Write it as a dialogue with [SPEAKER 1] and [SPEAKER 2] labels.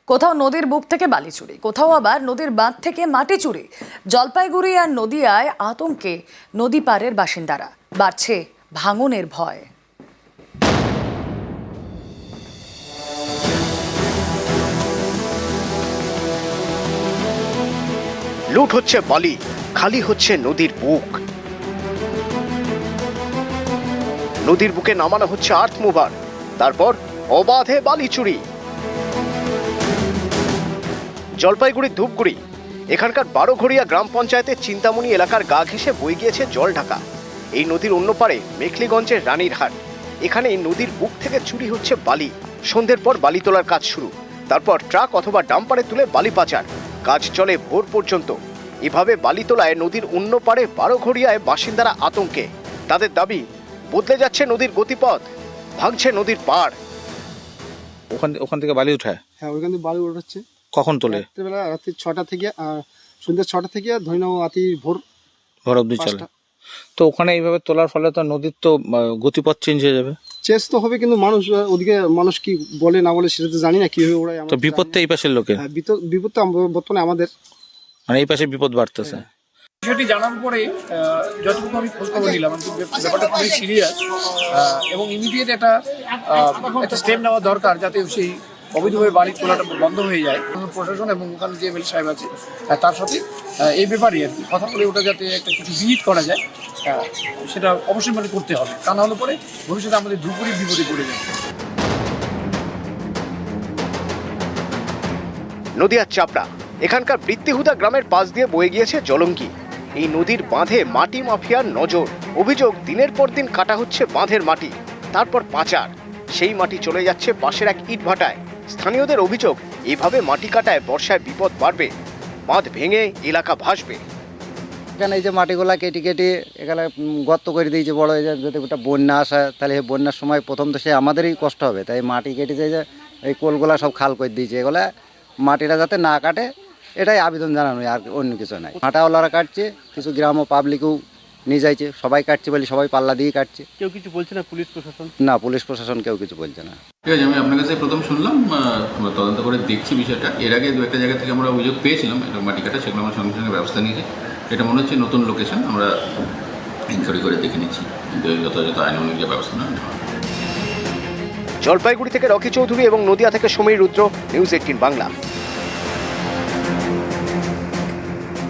[SPEAKER 1] কোথাও নদীর বুক থেকে বালি চুরি, কোথাও আবার নদীর বাঁধ থেকে মাটি চুরি। জলপাইগুড়ি আর নদিয়ায় আতঙ্কে নদী পাড়ের বাসিন্দারা, বাড়ছে ভাঙনের ভয়।
[SPEAKER 2] লুট হচ্ছে বালি, খালি হচ্ছে নদীর বুক। নদীর বুকে নামানো হচ্ছে আর্থ মুভার, তারপর অবাধে বালি চুরি। জলপাইগুড়ির ধূপগুড়ি, এখানকার বারোঘড়িয়া গ্রাম পঞ্চায়েতের চিন্তামণি এলাকার গা ঘেঁষে বয়ে গিয়েছে জল ঢাকা। এই নদীর অন্য পারে মেখলিগঞ্জের রানীরহাট। এখানে এই নদীর বুক থেকে চুরি হচ্ছে বালি। সন্ধ্যের পর বালি তোলার কাজ শুরু, তারপর ট্রাক অথবা ডাম্পারে তুলে বালি পাচার। কাজ চলে ভোর পর্যন্ত। এভাবে বালি তোলায় নদীর অন্য পারে বারোঘড়িয়ায় বাসিন্দারা আতঙ্কে। তাদের দাবি, বদলে যাচ্ছে নদীর গতিপথ, ভাঙছে নদীর পাড়।
[SPEAKER 3] ওখান থেকে বালি উঠায়?
[SPEAKER 4] হ্যাঁ, ওইখান থেকে বালি উঠাচ্ছে।
[SPEAKER 3] কখন তোলে?
[SPEAKER 4] রাত্রিবেলা, রাত্রি 6টা থেকে সন্ধ্যে 6টা থেকে ধরে নাও রাতি ভোর
[SPEAKER 3] অবধি চলে। তো ওখানে এইভাবে তোলার ফলে তো নদীর তো গতিপথ চেঞ্জ হয়ে যাবে।
[SPEAKER 4] চেস তো হবে, কিন্তু মানুষ ওদিকে মানুষ কি বলে না বলে সেটা তো জানি না কিভাবে ওরা।
[SPEAKER 3] তো বিপদটা এই পাশের লোকের?
[SPEAKER 4] হ্যাঁ, বিপদটা বর্তমানে আমাদের,
[SPEAKER 3] মানে এই পাশে বিপদ বাড়তেছে।
[SPEAKER 5] বিষয়টি জানার পরে যতটুকু আমি খোঁজ খবর নিলাম, ব্যাপারটা খুবই সিরিয়াস এবং ইমিডিয়েট একটা স্টেপ নেওয়া দরকার, যাতে সেই অবৈধভাবে বালি তোলাটা বন্ধ হয়ে যায়। প্রশাসন এবং ওখানে যে এমএলএ সাহেব আছে তার সাথে এই ব্যাপারে আর কি কথা বলে ওটা যাতে একটা কিছু বিহিত করা যায়, সেটা অবশ্যই মানে করতে হবে। তা না হলে পরে ভবিষ্যতে আমাদের ধূপগুড়ির বিপদে পড়ে যায়।
[SPEAKER 2] নদিয়ার চাপড়া, এখানকার বৃত্তিহুদা গ্রামের পাশ দিয়ে বয়ে গিয়েছে জলঙ্গি। এই নদীর বাঁধে মাটি মাফিয়ার নজর। অভিযোগ, দিনের পর দিন কাটা হচ্ছে বাঁধের মাটি, তারপর পাচার। সেই মাটি চলে যাচ্ছে পাশের এক ইটভাটায়। স্থানীয়দের অভিযোগ, এভাবে মাটি কাটায় বর্ষায় বিপদ বাড়বে, বাঁধ ভেঙে এলাকা ভাসবে।
[SPEAKER 6] এখানে এই যে মাটিগুলা কেটে কেটে এখানে গর্ত করে দিয়েছে বড় হয়ে যায়। যদি ওটা বন্যা আসে তাহলে এই বন্যার সময় প্রথম তো সে আমাদেরই কষ্ট হবে। তাই মাটি কেটে যে এই কোলগুলা সব খাল করে দিয়েছে, এগুলা মাটিটা যাতে না কাটে এটাই আবেদন জানানো, আর অন্য কিছু নাই। হাঁটাওয়ালারা কাটছে, কিছু গ্রাম ও পাবলিকও নিয়ে যাইছে, সবাই কাটছে বলে সবাই পাল্লা দিয়ে কাটছে।
[SPEAKER 7] কেউ কিছু বলছে না? পুলিশ প্রশাসন?
[SPEAKER 6] না, পুলিশ প্রশাসন কেউ কিছু বলছে না।
[SPEAKER 8] ঠিক আছে, আমি আপনার কাছে প্রথম শুনলাম, আমরা তদন্ত করে দেখছি বিষয়টা। এর আগে দু একটা জায়গা থেকে আমরা অভিযোগ পেয়েছিলাম এটা মাটি কাটা, সেগুলো আমরা সঙ্গে সঙ্গে ব্যবস্থা নিয়েছি। এটা মনে হচ্ছে নতুন লোকেশন, আমরা ইনকোয়ারি করে দেখে নিচ্ছি, যথাযথ আইন অনুযায়ী ব্যবস্থা নেওয়া হবে।
[SPEAKER 2] জলপাইগুড়ি থেকে রকি চৌধুরী এবং নদিয়া থেকে সমীর রুদ্র, নিউজ 18 বাংলা।